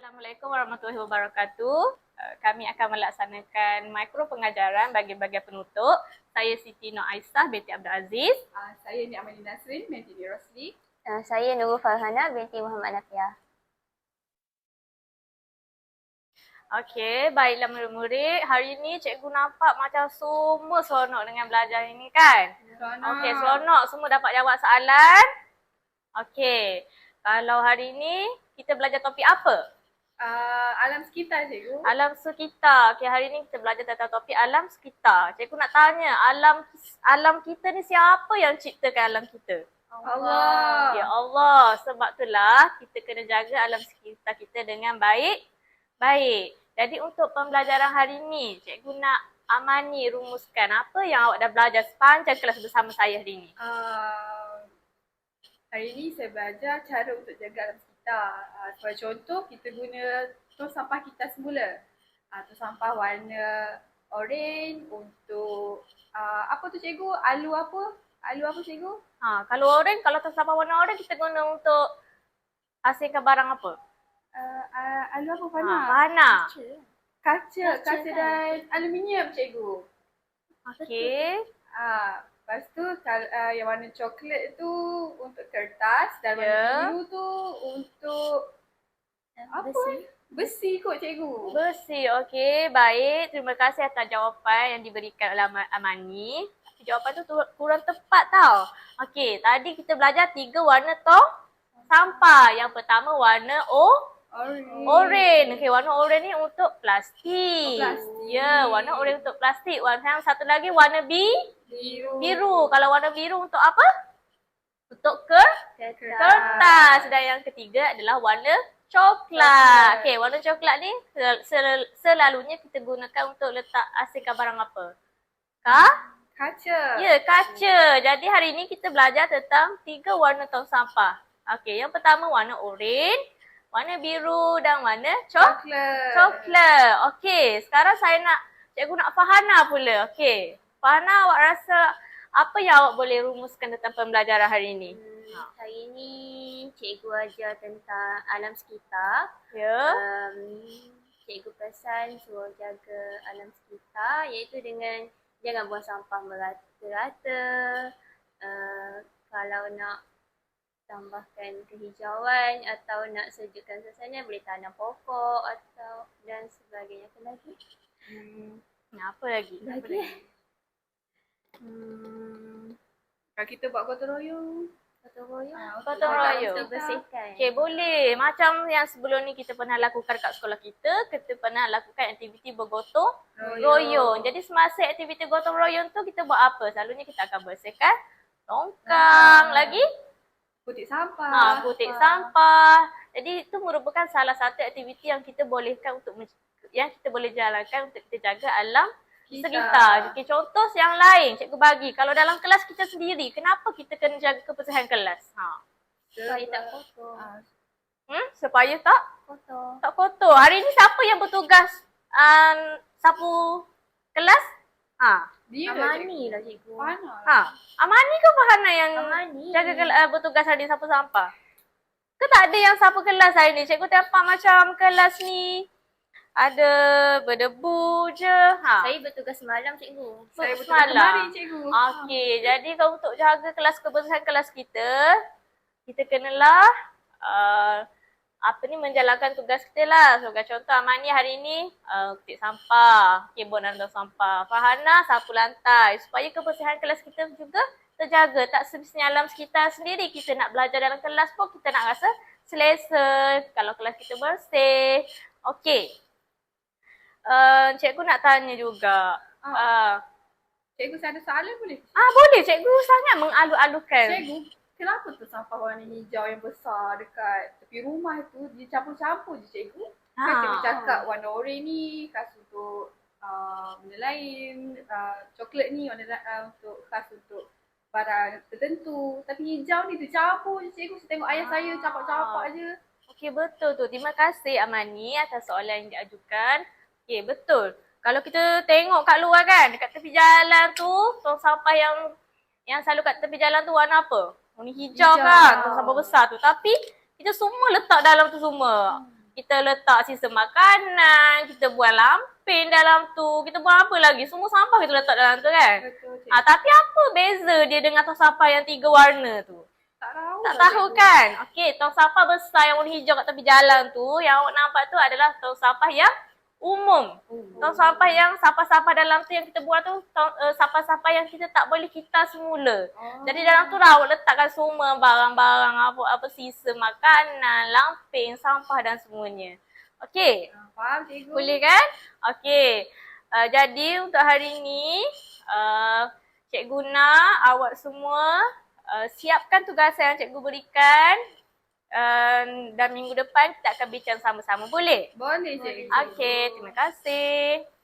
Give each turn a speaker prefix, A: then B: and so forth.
A: Assalamualaikum warahmatullahi wabarakatuh. Kami akan melaksanakan mikro pengajaran bagi bahagian penutup. Saya Siti Nur Aisyah binti Abdul Aziz.
B: Saya Nik Amalin Nasrin binti Rosli.
C: Saya Nurul Farhana binti Muhammad Nafiah.
A: Okey, baiklah murid-murid. Hari ini cikgu nampak macam semua seronok dengan belajar ini kan?
B: Seronok.
A: Okey, seronok. Semua dapat jawab soalan. Okey, kalau hari ini kita belajar topik apa?
B: Alam sekitar, cikgu.
A: Alam sekitar. Okey, hari ini kita belajar tentang topik alam sekitar. Cikgu nak tanya, alam kita ni siapa yang ciptakan alam kita?
B: Allah.
A: Ya Allah. Sebab itulah kita kena jaga alam sekitar kita dengan baik. Jadi untuk pembelajaran hari ini, cikgu nak Amani rumuskan apa yang awak dah belajar sepanjang kelas bersama saya hari ini.
B: Hari ini saya belajar cara untuk jaga alam sekitar. Sebagai contoh, kita guna tong sampah kita semula. Tong sampah warna oren untuk apa tu cikgu? Alu apa? Alu apa cikgu?
A: Kalau tong sampah warna oren kita guna untuk hasilkan barang apa?
B: Alu apa Fana?
A: Fana.
B: Kaca dan aluminium cikgu.
A: Okey.
B: Lepas tu yang warna coklat tu untuk kertas dan warna biru tu untuk apa? Besi kot cikgu.
A: Besi, okey. Baik, terima kasih atas jawapan yang diberikan oleh Amani. Jawapan tu kurang tepat tau. Okey, tadi kita belajar 3 warna tong sampah. Yang pertama warna oren. Okey, warna oren ni untuk plastik. Ya, warna oren untuk plastik. Warna yang satu lagi warna biru. Kalau warna biru untuk apa? Untuk kertas. Dan yang ketiga adalah warna coklat. Okey, warna coklat ni selalunya kita gunakan untuk letak asingkan barang apa?
B: Kaca.
A: Ya, kaca. Jadi hari ini kita belajar tentang 3 warna tong sampah. Okey, yang pertama warna oren, warna biru dan warna coklat. Okey, sekarang cikgu nak Farhana pula. Okey, Farhana, awak rasa apa yang awak boleh rumuskan tentang pembelajaran hari ini?
C: Hari ini cikgu ajar tentang alam sekitar.
A: Ya.
C: Cikgu pesan suruh jaga alam sekitar iaitu dengan jangan buang sampah merata-rata. Kalau nak tambahkan kehijauan atau nak sejukkan suasana boleh tanam pokok atau dan sebagainya. Apa lagi?
A: Apa lagi?
B: Kalau kita buat gotong royong.
A: Gotong royong.
C: Untuk bersihkan.
A: Okey, boleh. Macam yang sebelum ni kita pernah lakukan kat sekolah kita pernah lakukan aktiviti bergotong royong. Jadi semasa aktiviti gotong royong tu kita buat apa? Selalunya kita akan bersihkan tongkang. Lagi?
B: Kutip sampah.
A: Kutip sampah. Jadi itu merupakan salah satu aktiviti yang kita bolehkan yang kita boleh jalankan untuk kita jaga alam sekitar. Okey, contoh yang lain cikgu bagi. Kalau dalam kelas kita sendiri, kenapa kita kena jaga kebersihan kelas?
C: Supaya tak kotor.
A: Supaya tak
C: Kotor.
A: kotor. Hari ni siapa yang bertugas sapu kelas?
B: Dia
C: Amani lah cikgu.
B: Fana.
A: Amani ke Farhana yang
C: Amani.
A: jaga bertugas hari ni sapu sampah? Ke tak ada yang sapu kelas hari ni? Cikgu nampak macam kelas ni ada berdebu je.
C: Saya bertugas semalam cikgu.
B: Saya bertugas kemarin cikgu.
A: Okey, jadi kalau untuk jaga kebersihan kelas kita kenalah menjalankan tugas kita lah. Sebagai contoh Amani hari ni kutip sampah, kebun dan tong sampah. Farhana sapu lantai supaya kebersihan kelas kita juga terjaga. Tak semestinya alam sekitar sendiri kita nak belajar dalam kelas pun kita nak rasa selesa kalau kelas kita bersih. Okey. Cikgu nak tanya juga.
B: Cikgu saya ada soalan boleh?
A: Boleh. Cikgu sangat mengalu-alukan.
B: Cikgu, kenapa tu sampah warna hijau yang besar dekat tepi rumah tu dia campur-campur je cikgu? Kan cikgu cakap warna oren ni khas untuk benda lain, coklat ni warna untuk khas untuk barang tertentu. Tapi hijau ni dia campur je cikgu. Saya tengok ayah saya capak-capak je.
A: Okey, betul tu. Terima kasih Amani atas soalan yang diajukan. Okey, betul. Kalau kita tengok kat luar kan, dekat tepi jalan tu, tong sampah yang selalu kat tepi jalan tu warna apa? Warna hijau kan, tong sampah besar tu. Tapi kita semua letak dalam tu semua. kita letak sisa makanan, kita buang lampin dalam tu, kita buang apa lagi? Semua sampah kita letak dalam tu kan?
B: Betul cikgu.
A: Tapi apa beza dia dengan tong sampah yang 3 warna tu?
B: Tak tahu.
A: Tak tahu kan? Okey, tong sampah besar yang warna hijau kat tepi jalan tu, yang awak nampak tu adalah tong sampah yang umum. Tong sampah yang sampah-sampah dalam tu yang kita buang tu, sampah-sampah yang kita tak boleh kita semula. Jadi dalam tu lah awak letakkan semua barang-barang, apa sisa makanan, lampin, sampah dan semuanya. Okey?
B: Faham cikgu?
A: Boleh kan? Okey. Jadi untuk hari ni, Cikgu nak awak semua siapkan tugasan yang cikgu berikan. Dan minggu depan kita akan bincang sama-sama. Boleh?
B: Boleh cikgu.
A: Okey, terima kasih.